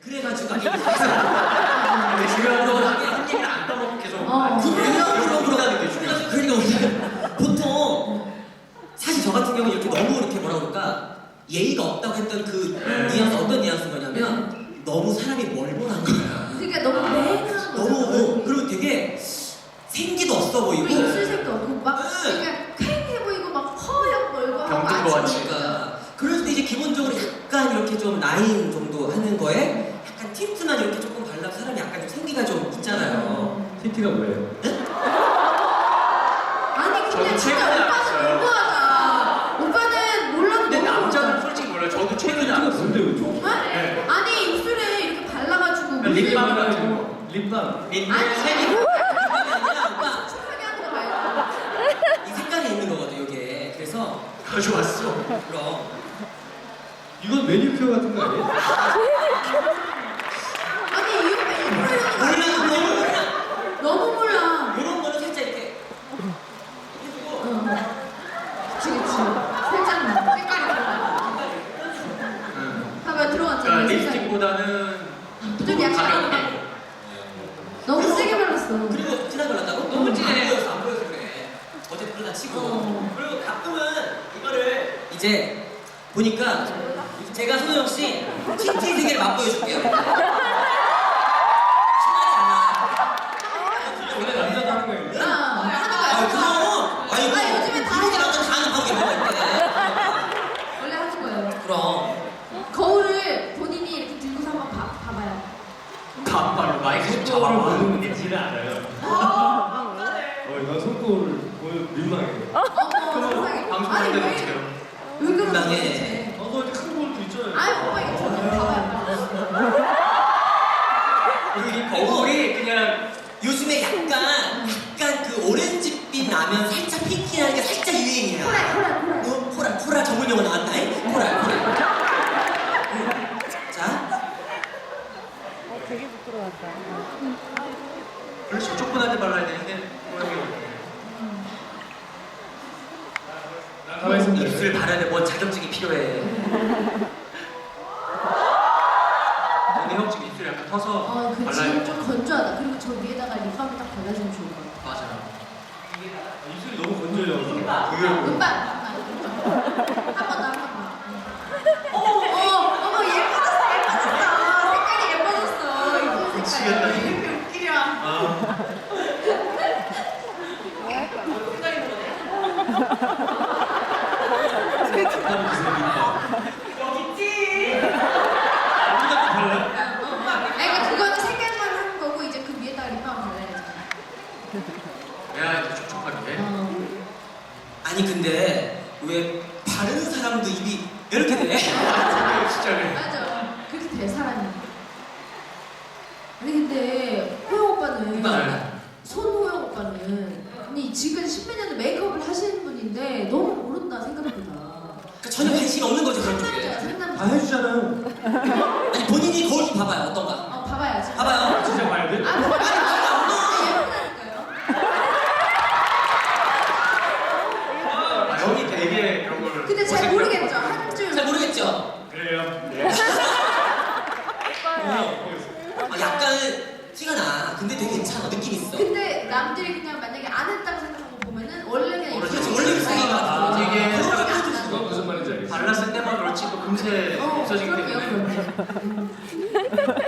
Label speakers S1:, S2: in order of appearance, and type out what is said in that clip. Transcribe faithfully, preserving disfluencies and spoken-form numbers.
S1: 그래가지고 아니 근데 중요한 건 한 얘기를 안 까먹고 계속
S2: 어.
S1: 그러려고 그러다는 게 중요하죠. 그러니까 우리가 보통 사실 저 같은 경우는 이렇게 너무 이렇게 뭐라 그럴까 예의가 없다고 했던 그 뉘앙스 어떤 뉘앙스인 거냐면 너무 사람이 멀멀한 거야.
S2: 그러니까 너무 맹한 거죠.
S1: 너무 그리고 되게 생기도 없어 보이고
S2: 그리고 입술색도 없고 막
S1: 응.
S2: 그러니까 쾌해 보이고 막 허옇 멀고
S3: 병든 거 같이.
S1: 그러니까 그럴 때 이제 기본적으로 약간 이렇게 좀 라인 정도 하는 거에 약간 틴트만 이렇게 조금 발라서 사람이 약간 좀 생기가 좀 있잖아요.
S4: 틴트가 뭐예요?
S2: 아니
S3: 저도
S2: 근데 진짜
S3: 최근에
S2: 오빠는
S3: 알았어요.
S2: 너무하다. 오빠는 몰라도
S3: 근데
S2: 너무
S3: 남자는
S2: 모르잖아.
S3: 솔직히 몰라요. 저도 최근에
S4: 틴트가
S3: 알았어요.
S4: 뭔데 왜 좀?
S2: 정말?
S3: 네.
S2: 아니 입술에 이렇게 발라가지고
S3: 립밤
S2: 물을
S3: 같은
S2: 넣고.
S3: 거.
S4: 립밤.
S1: 린
S2: 아니
S1: 색이 아니라 오빠
S2: 촉촉하게 하는 거 말고.
S1: 이 색깔이 있는 거거든 이게. 그래서
S3: 가져왔어.
S1: 그럼
S4: 이건 매니큐어 같은 거 아니에요?
S2: 아니 이 오빠 일부러 이러는 거
S1: 몰라 너무
S2: 아니야?
S1: 몰라.
S2: 너무 몰라.
S1: 이런 거는 살짝 이렇게 해주고
S2: 응. 그치 그치. 살짝만 색깔이 달라. 봐봐 들어갔잖아.
S3: 그러니까
S2: 색깔이.
S3: 립스틱보다는
S2: 좀 약간
S3: 가볍게.
S2: 너무 세게 발랐어.
S1: 그리고 진하게 발랐다고? 너무 진해. 안 보여서 안 보여서 그래. 어제 그러다 치고.
S2: 어.
S1: 그리고 가끔은 이거를 이제 보니까 제가 손호영 씨 틴트 세계를 맛보여줄게요. 심하지 않아.
S4: 원래 남자도 하는 거예요.
S2: 아, 하는 거야.
S1: 아, 그럼. 아니, 뭐,
S2: 아, 요즘엔 다
S1: 이렇게
S2: 하죠.
S1: 남자 다 하는 방법이 뭐가 있대.
S2: 원래 하는 거예요.
S1: 그럼.
S2: 거울을 본인이 이렇게 들고서 한번 봐, 봐봐요.
S3: 반발로 마이크 좀
S4: 손거울을
S3: 잡아봐.
S4: 보는 게 지는 않아요. 어, 이건 손거울을 보면 민망해요.
S2: 어머, 세상에.
S3: 방송할
S2: 아니,
S3: 때는
S2: 왜,
S3: 어떻게 해요?
S2: 왜 그러는 거야,
S1: 민망해.
S2: 도대체?
S4: 어, 너 이렇게 큰 거울도 있잖아요.
S2: 아이, 오빠 이거 좀 봐봐요.
S1: 그리고 이
S3: 거울이 그냥
S1: 요즘에 약간, 약간 그 오렌지빛 나면 살짝 핑키하는 게 살짝 유행이야.
S2: 코랄, 코랄, 코랄.
S1: 어, 코랄, 코랄 전문 용어 나왔다잉? 코랄, 코랄. 응. 자,
S5: 어, 되게 부끄러웠다.
S3: 그렇지 조그만하게 발라야 되는데 모양이
S4: 가만히 있으면
S1: 입술 바르는데 뭔 자격증이 필요해.
S3: 근데 형 지금 입술 약간 터서
S2: 어, 그
S3: 발라야
S2: 지금
S3: 돼.
S2: 좀 건조하다. 그리고 저 위에다가 립밤을 딱 발라주면 좋을 것 같아.
S3: 맞아.
S4: 입술이 너무 건조해요.
S3: 그게
S2: 음반, 한번 더, 한 번 더. 어머, 어머, 어머, 예뻐졌어, 예뻐졌어. 색깔이 예뻐졌어. 이쁜
S3: 미치겠다.
S2: 색깔이. 이렇게 웃기려.
S3: 아,
S2: 아니, 그러니까 그거는 색깔만 하는 거고 이제 그 위에다가 립밤 발라야지.
S3: 내가 이렇게 촉촉하게.
S2: 어.
S1: 아니, 근데 왜 바르는 사람도 입이 이렇게 돼?
S3: 진짜 그래.
S2: 맞아. 그렇게 될 사람이. 아니 근데 호영 오빠는
S1: 맞아요.
S2: 손호영 오빠는 아니 지금 십몇 년을 메이크업을 하시는 분인데 너무 모른다 생각보다.
S1: 그러니까 전혀 관심이 없는 거죠, 그런
S2: 상남자야
S1: 쪽에.
S4: 다
S2: 상남자.
S4: 해주잖아요.
S1: 아니, 본인이 거울 좀 봐봐요, 어떤가?
S2: 어 봐봐야지.
S1: 봐봐요.
S4: 진짜 봐야 돼?
S2: 아 봐봐요. 아, 예쁘다니까요.
S3: 아, 형이 되게 이런 걸.
S2: 근데 잘 모르겠죠 한 줄.
S1: 잘 모르겠죠?
S4: 그래요. 네.
S1: 아, 약간 티가 나. 근데 되게 괜찮아. 느낌 있어.
S2: 근데 남들이 그냥 만약에 안 했다고 생각하고 보면은 원래 그냥
S3: 그렇지,
S2: 입술이
S1: 원래 입술이
S2: 아,
S1: 아,
S3: 되게
S2: 거울이 안
S4: 그건
S2: 나죠.
S4: 무슨 말인지 알겠어.
S3: 발랐을 때만 그렇지 또 금세
S2: 어,
S3: 없어지기
S2: 그럼요,
S3: 때문에.
S2: 그럼요. 음.